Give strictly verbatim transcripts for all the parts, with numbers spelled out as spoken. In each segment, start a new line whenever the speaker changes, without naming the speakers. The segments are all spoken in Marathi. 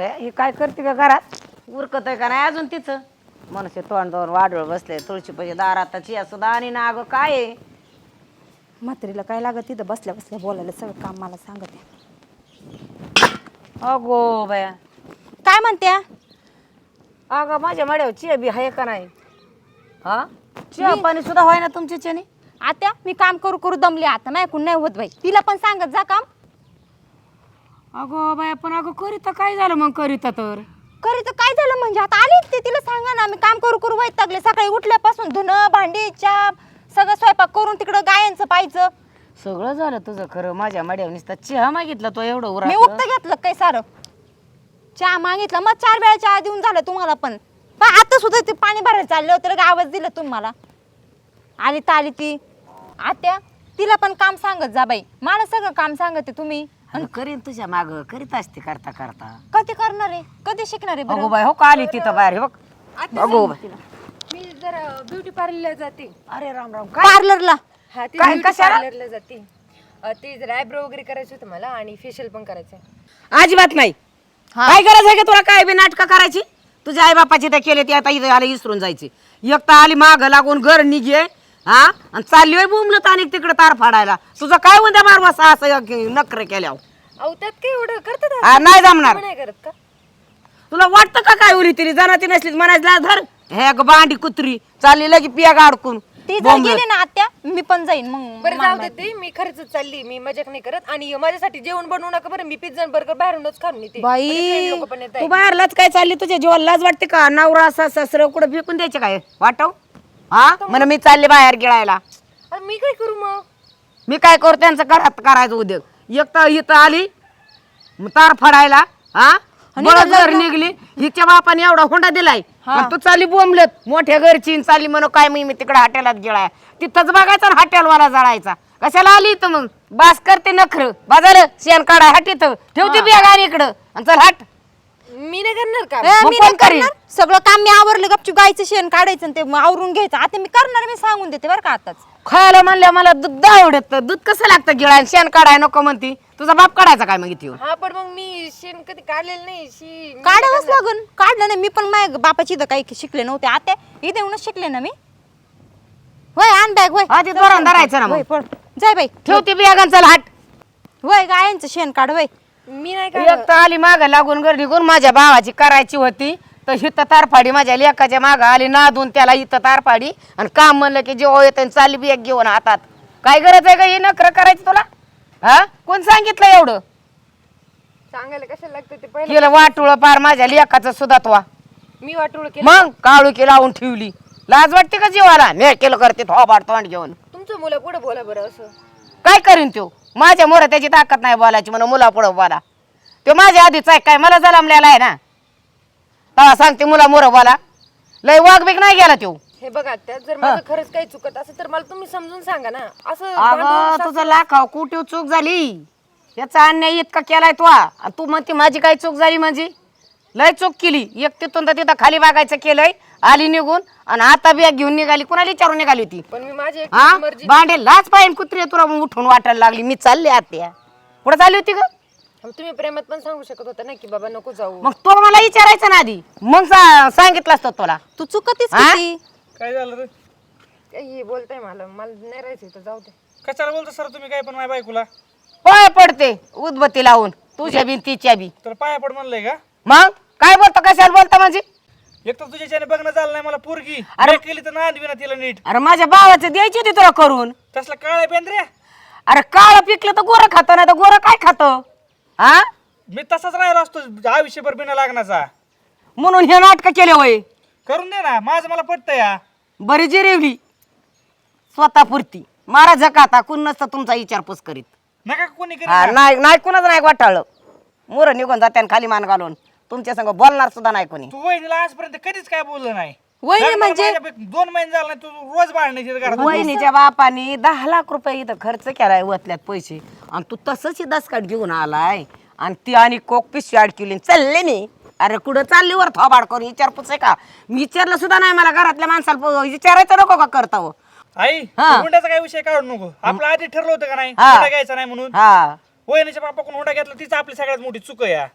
बे ही काय करते का घरात उरकत आहे का नाही अजून तिचं मनुष्य तोंड दोन वाढवळ बसले तुळशी पैसे दारात चिया सुद्धा आणि ना अगं काय आहे
म्हातारीला काय लागत तिथं बसल्या बसल्या बोलायला सगळं काम मला सांगते.
अगो बया
काय म्हणत्या?
अगं माझ्या मड्यावर चिया बी आहे का नाही हा चिया पाणी सुद्धा व्हाय ना तुमच्या चेनी
आत्या मी काम करू करू दमले आता नाही ऐकून नाही होत बाई. तिला पण सांगत जा काम.
अगो बाया पण अगं करीता काय झालं मग करीता तर
खरी तर काय झालं म्हणजे आता आली ते तिला सांगा ना मी काम करू करू वैतागले सकाळी उठल्यापासून धुणं भांडी चहा सगळं स्वयंपाक करून तिकडं गायांचं पाहायचं.
सगळं झालं तुझं खरं माझ्या मड्यावर नुसता चहा मागितला तो एवढं
मी
उरा
उठतं घेतलं काय सारं चहा मागितलं मग चार वेळा चहा देऊन झालं तुम्हाला पण पण आता सुद्धा ते पाणी भरायला चाललं होतं का आवाज दिला तुम्हाला आली तर आली ती आत्या तिला पण काम सांगत जा बाई मला सगळं काम सांगते तुम्ही
आणि करीन तुझ्या माग करीत असते करता करता
कधी करणार आहे कधी शिकणार आहे
अगो
बरं
बाय हो का आली तिथं बाहेर हे बघ अगो बाय
मी जरा ब्युटी पार्लरला जाते.
अरे राम राम काय
पार्लरला
हा ते
काय,
ब्युटी
कशाला?
पार्लरला जाते. अ, ते जरा आयब्रो वगैरे करायचं होतं मला आणि फेशियल पण करायचं आहे.
अजिबात नाही
हा.
काय गरज आहे का तुला काय बी नाटकं करायची तुझ्या आई बापाची तर केले ते आता इथं आले इसरून जायचे एक तर आली माग लागून घर निघे हा आणि चालली होय बुमलत आणि तिकडे तार फाडायला तुझं काय उद्या मारवा असं नखरे केल्या
अहो त्यात काय एवढं करतात
हा, नाही जमणार
नाही करत का?
तुला वाटतं का काय उरी तरी जाणार ती नसलीच म्हणायला धर हे ग बांडी कुत्री चालली लगी पिया गाडकून
ती जर गेली ना आत्या मी पण जाईन मग
बरं जाऊ दे ते मी खरंच चालली मी मजाक नाही करत आणि माझ्यासाठी जेवण बनवू नका बरं मी पिझ्झा बर्गर बाहेरूनच खाऊन येते
बाई
लोक पण येत
तू बाहेरलाच काय चालली तुझ्या जीवाला लाज वाटते का नवरा असा सासरं कुठं फेकून द्यायचे काय वाटव हा म्हण मी चालले बाहेर गिळायला
मी काय करू मग
मी काय करू त्यांचं घरात करायचं उद्योग एक तर इथं आली मग तार फाडायला हा बळद घर निघली हिच्या बापाने एवढा हुंडा दिलाय आणि तू चालली बोंबलत मोठ्या घरची आणि चालली म्हणून काय मी मी तिकडे हॉटेलात गेलाय तिथंच बघायचा ना हॉटेलवाला जळायचा कशाला आली इथं मग बास करते नखर बाजार शेण काढा हट इथं ठेवते बिया गाडी इकडं आणि चल हट
मी नाही करणार का
ए,
मग
मी
कोण
नाही
करीन?
करणार. सगळं काम मी आवरलं गपचूप गायचं शेण काढायचं आणि ते मग आवरून घ्यायचं आता मी करणार मी सांगून देते बरं का आताच
खायला म्हणल्या मला दूध आवडत दूध कसं लागतं गिळायला शेण काढाय नको म्हणती तुझा बाप काढायचा काय मग इथे येऊन?
हा पण मग मी शेण कधी काढलेलं नाही शी मी
काढावंच लागून काढलं नाही मी पण माझ्या बापाची इथं काही शिकले नव्हते आता इथे येऊनच शिकले ना मी होय आण बॅग होय
हा, ते दोरानं धरायचं ना मग.
होय, पळ. जाय बाई
ठेवते बिया चल हट
होय गायांचं शेण काढ होय
मी नाही
एक तर आली माग लागून गर्दी करून माझ्या भावाची करायची होती तर हिथं तारफाडी माझ्या लेकाच्या माग आली नादून त्याला इथं तारफाडी आणि काम म्हणलं की जेव्हा येत चालली बी एक घेऊन हातात काय गरज आहे का हे नखरं करायची तुला हा कोण सांगितलं एवढं
सांगायला कशाला लागतं ते पहिलं
केलं वाटुळ पार माझ्या लेकाचं सुद्धा तो
मी वाटोळ केलं
मग काळू की लावून ठेवली लाज वाटते का जीवाला मी केलं करते थोबाड तोंड घेऊन
तुमचं मुलं पुढे बोला बरं असं
काय करीन तो माझ्या मोर त्याची ताकद नाही बोलायची म्हणून मुला पुढं बोला तो माझ्या आधीच आहे काय मला जलमलेला आहे ना तेव्हा सांगते मुला मोर बोला लय वाघ बिग नाही गेला तो
हे बघा त्यात जर माझं खरंच काही चुकत असेल तर मला तुम्ही समजून सांगा ना असं
अगं
भांडून
तुझं लाखाव कुठे चूक झाली याचा अन्याय इतका केलाय तो आणि तू म्हणते माझी काय चूक झाली म्हणजे लय चूक केली एक तिथून तर तिथं खाली बागायचं केलंय आली निघून आणि आता बॅग घेऊन निघाली कुणाला विचारून निघाली होती
पण मी माझी एक
हा
मर्जी
भांडे लाच पाहिजे कुत्री तुला मग उठून वाटायला लागली मी चालले आत्या कुठं चालली होती ग
तुम्ही प्रेमात पण सांगू शकत होता ना की बाबा नको जाऊ
मग तो मला विचारायचं ना आधी मग सा- सांगितलं असतं तुला
तू चुकतीस
हा?
किती
काय झालं रे
काय हे बोलताय मला मला नाही राहायचं इथं जाऊ दे
कशाला बोलतो सर तुम्ही काय पण माझ्या बायकोला
होय पडते उदबत्ती लावून तुझ्या बी तिच्या बी
तर पाया पड म्हणलंय का
मग काय बोलतो कशाला बोलता म्हणजे
एक तर तुझ्याच्याने बघणं झालं नाही मला पोरगी
अरे-
अरे केली तर नांद ना तिला नीट
अरे माझ्या भावाचं द्यायची होती तुला करून
तसला काळा पेंद्र्या
अरे काळ पिकलं तर गोरं खातं नाही तर गोरं काय खातं हा
मी तसाच राहिलो असतो आयुष्यभर बिना लागण्याचा
म्हणून हे नाटक केले होय
करून दे ना माझं मला पटतं या
बरी जिरेवली स्वतःपुरती मारा झकाता कुण नसतं तुमचा विचारपूस करीत
नका का कोणी
हा,
करी
नाही नाही कुणाच नाही वाटाळलं मोर निघून जाते खाली मान घालून तुमच्या संग बोलणार सुद्धा नाही कोणी
तू वहिनीला आजपर्यंत कधीच काय बोललं नाही
वहिनी
लग्नाला
म्हणजे?
माझ्यापैकी दोन महिने झाले नाही तू रोज भांडण्याची घरात
वहिनीच्या बापाने दहा लाख रुपये इथं खर्च केलाय वतल्यात पैसे आणि तू तसंच दसकाट घेऊन आलाय आणि ती आणि कोक पिशवी अडकिवली चालले नाही अरे कुठं चालली वर थोबाड करून विचारपूस आहे का मी विचारलं सुद्धा नाही मला घरातल्या माणसाला विचारायचं नको का करता हो
आई
हा.
हुंड्याचा काय विषय काढू नको आपलं आधी ठरलं होतं का नाही
हा.
हुंडा घ्यायचा नाही म्हणून
हा
वहिनीच्या बापाकडून हुंडा घेतला तीच आपली सगळ्यात मोठी चूक आहे या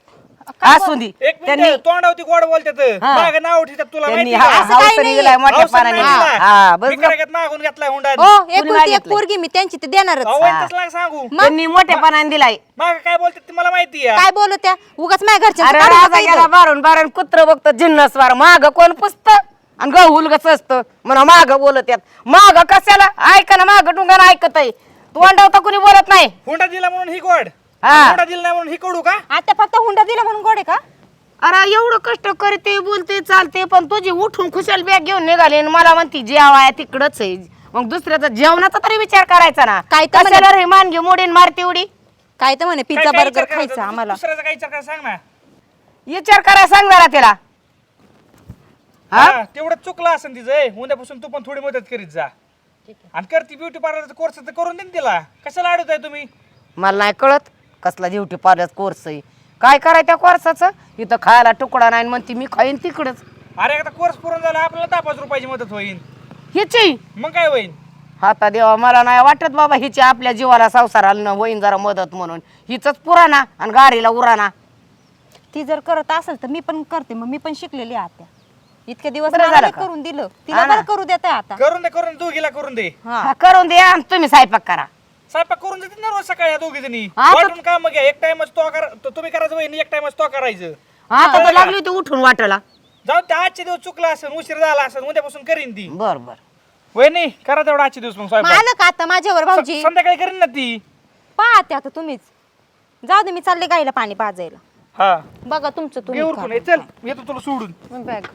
असू दे
एक
त्यांनी
मिनिट तोंडावती गोड बोलतात
हा.
माग नाव ठेवतात तुला
त्यांनी
माहिती
हा-
का?
असं काही
हावसाने
नाही.
दिलाय मोठ्या
हावसाने
पानाने
नाही दिला.
हा बस
मी करायच्यात मागून घेतलाय हुंडा
हो एकुलती एक
मागितलंय?
पोरगी मी त्यांची ते देणारच
अहो, वैन तसं नका सांगू
त्यांनी मोठ्या पानाने दिलाय
माग काय बोलतात ते मला माहिती आहे
काय बोलत त्या उगाच माझ्या घरच्या
अरे राजा गेला बारून बारून कुत्र बघतो जिन्नस वार माग कोण पुसत आणि गहुल गच असतं म्हणा माग बोलत यात माग कशाला ऐका ना माग डुंगान ऐकत आहे तू अंडावता कुणी बोलत नाही
हुंडा दिला म्हणून ही गोड
हा.
हुंडा दिला नाही म्हणून ही कडू का
आता फक्त हुंडा दिला म्हणून गोडे का
अरे एवढं कष्ट करते बोलते चालते पण तुझी उठून खुशाल बॅग घेऊन निघाली आणि मला म्हणती जेवाय तिकडच आहे मग दुसऱ्याचा जेवणाचा तरी विचार करायचा ना
काय तर
कशाला रे मानगी मोडीन मारते उडी
काय तर म्हणे
काय-
पिझ्झा
काय
बर्गर
विचार करायचा?
खायचा आम्हाला
दुसऱ्याचा काय विचार करायचा सांग ना
विचार करायला सांग जरा त्याला हा
हा तेवढं चुकलं असेल तिचं ए, उद्यापासून तू पण थोडी मदत करीत जा आणि करती ब्युटी पार्लरचा कोर्स तर करून दे ना तिला कशाला अडवताय तुम्ही
मला नाही कळत कसला ब्युटी पार्लर कोर्स आहे काय करायचं त्या कोर्साचं इथं खायला तुकडा नाही म्हणते मी खाईन तिकडच
अरे एकदा कोर्स पूर्ण झाला आपल्याला दहा पाच रुपयाची मदत होईल
हिची
मग काय होईल
आता देवा मला नाही वाटत बाबा हिची आपल्या जीवाला संसाराला न होईन जरा मदत म्हणून हिच पुराणा आणि गाडीला उराणा
ती जर करत असेल तर मी पण करते मग मी पण शिकलेली आहे आत्या इतके दिवस
बरं
मला
झालं
नाही
का?
करून दिलं
हा
तिला
ना.
बरं करू देत आता
करून दे करून दे दोघीला करून दे
हा
हा, करून द्या आणि तुम्ही स्वयंपाक करा
स्वयंपाक करून देते ना रोज सकाळी या दोघी जणी
हा, तर-
वाटून काम घ्या एक टाइमच तो करा तो तुम्ही करायचं वहिनी एक टाइमच तो करायचं
आता तर लागली होती उठून वाटायला
जाऊ त्या आजचे दिवस चुकला असेल उशीर झाला असेल उद्यापासून करीन ती
बर बर
वहिनी करा तेवढा आजचे दिवस मग
मग
स्वयंपाक
आलं का आता माझ्यावर भाऊजी
स- संध्याकाळी करीन ना ती
पाहते आता तुम्हीच जाऊ दे मी चालले गाईला पाणी पाजायला
हा
बघा तुमचं
घे
तुम्ही
उरकून ए, चल येतो तुला सोडून
बॅग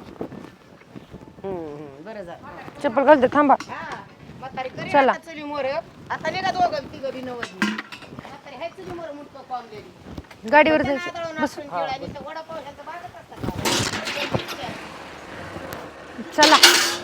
बरं झालं
चप्पल घालते थांबा चला.
आता निघा दोघं तिघं बी नवस म्हातारी हाय चुली मोर मुटकं पावलेली.
गाडीवर
त्या
जायचं
नादळून आपण खेळायला इथं वडापाव ह्याचं बागच असतं का?
चला